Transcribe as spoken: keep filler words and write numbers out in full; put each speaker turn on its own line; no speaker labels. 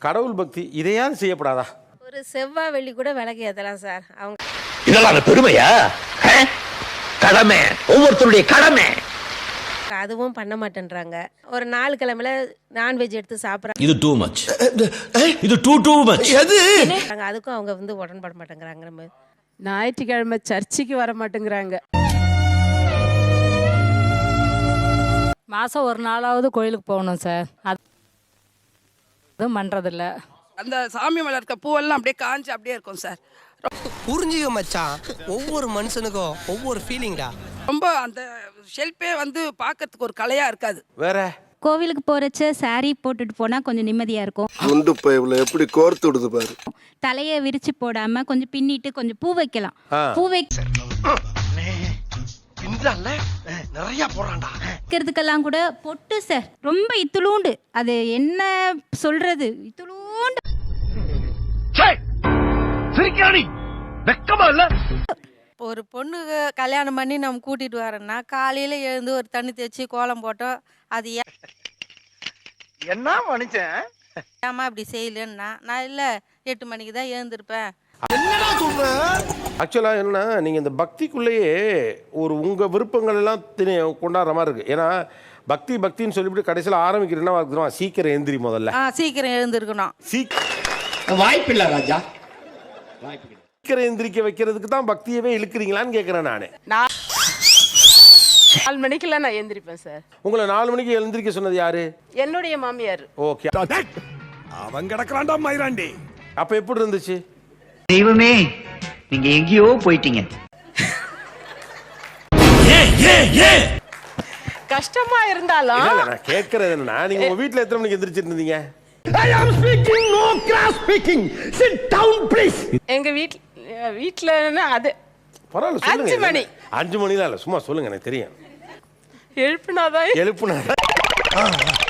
கடவுள் பக்தி இதையாவது செய்யப்படாதா?
ஒரு செவ்வாய் வெள்ளி கூட விளக்கு ஏத்தலாம் சார். அவங்க
இதெல்லாம் பெருமையா? கடமை, ஒவ்வொருத்தருடைய கடமை.
அதுவும் பண்ண மாட்டேன்றாங்க. ஒரு நாலு கிழமையில நான்வெஜ் எடுத்து சாப்பிட்றாங்க.
இது டூ மச். இது டூ டூ மச். எது?
அதுக்கும் அவங்க வந்து உடன்பட மாட்டேங்கிறாங்க. நம்ம
ஞாயிற்றுக்கிழமை சர்ச்சுக்கு வர மாட்டேங்கிறாங்க.
மாதம் ஒரு நாளாவது கோயிலுக்கு போகணும் சார். அதுவும் பண்ணுறதில்ல.
அந்த சாமி மேலே இருக்க பூவெல்லாம் அப்படியே காஞ்சி அப்படியே இருக்கும் சார்.
புரிஞ்சுக்க மச்சான், ஒவ்வொரு மனுஷனுக்கும் ஒவ்வொரு ஃபீலிங்டா.
ரொம்ப அந்த ஷெல்ஃபே வந்து பார்க்கறதுக்கு ஒரு கலையாக இருக்காது.
வேற
கோவிலுக்கு போறச்ச சாரி போட்டுட்டு போனா கொஞ்சம் நிம்மதியா இருக்கும்.
முண்டு பைப்ல எப்படி கோர்த்து விடுது பாரு.
தலையை விரிச்சு போடாம கொஞ்சம் பின்னிட்டு கொஞ்சம் பூ வைக்கலாம். பூ வைக்கிறதுக்கெல்லாம் கூட பொட்டு சார் ரொம்ப இத்துளூண்டு. அது என்ன சொல்றது, இத்துளூண்டு.
ஒரு பொண்ணு கல்யாணம் பண்ணி நம்ம கூட்டிட்டு வரோம்னா காலையில எழுந்து ஒரு தண்ணி தேய்ச்சி கோலம் போட்டோம். அது
என்ன மனுஷன்
ஏமா அப்படி செய்யலன்னா, நான் இல்ல எட்டு மணிக்கு தான் எழுந்திருப்பேன்.
ஆக்சுவலா என்னன்னா, நீங்க இந்த பக்திக்குள்ளேயே ஒரு உங்க விருப்பங்கள் எல்லாம் கொண்டாடுற மாதிரி இருக்கு. ஏன்னா பக்தி பக்தின்னு சொல்லிவிட்டு கடைசியில் ஆரம்பிக்கிறேன்னா சீக்கிரம் எழுந்திரி, முதல்ல
சீக்கிரம் எழுந்திருக்கணும்.
வாய்ப்பில்லை ராஜா.
சீக்கிரம் எந்திரிக்க வைக்கிறதுக்கு தான் பக்தியவே இழுக்கிறீங்களான்னு கேட்கிறேன் நானு.
நாலு மணிக்கெல்லாம் நான் எழுந்திருப்பேன் சார்.
உங்களை நாலு மணிக்கு எழுந்திரிக்க சொன்னது யாரு?
என்னுடைய மாமியார்.
ஓகே,
அவன் கிடக்குறான்டா மயிராண்டி.
அப்ப எப்படி இருந்துச்சு?
தெய்வமே, நீங்க எங்கேயோ போயிட்டீங்க.
கஷ்டமா இருந்தாலும்
இல்ல, இல்ல, நான் கேட்கறது என்னன்னா, நீங்க உங்க வீட்டுல எத்தனை மணிக்கு எந்திரிச்சிருந்தீங்க?
I am speaking, no cross speaking. Sit down please.
எங்க வீட்ல வீட்ல அது
பரவாயில்ல சொல்லுங்க.
அஞ்சு மணி.
அஞ்சு மணிலாம் இல்ல, சும்மா சொல்லுங்க, எனக்கு தெரியும்.
எழுப்புனாதான்
எழுப்புனா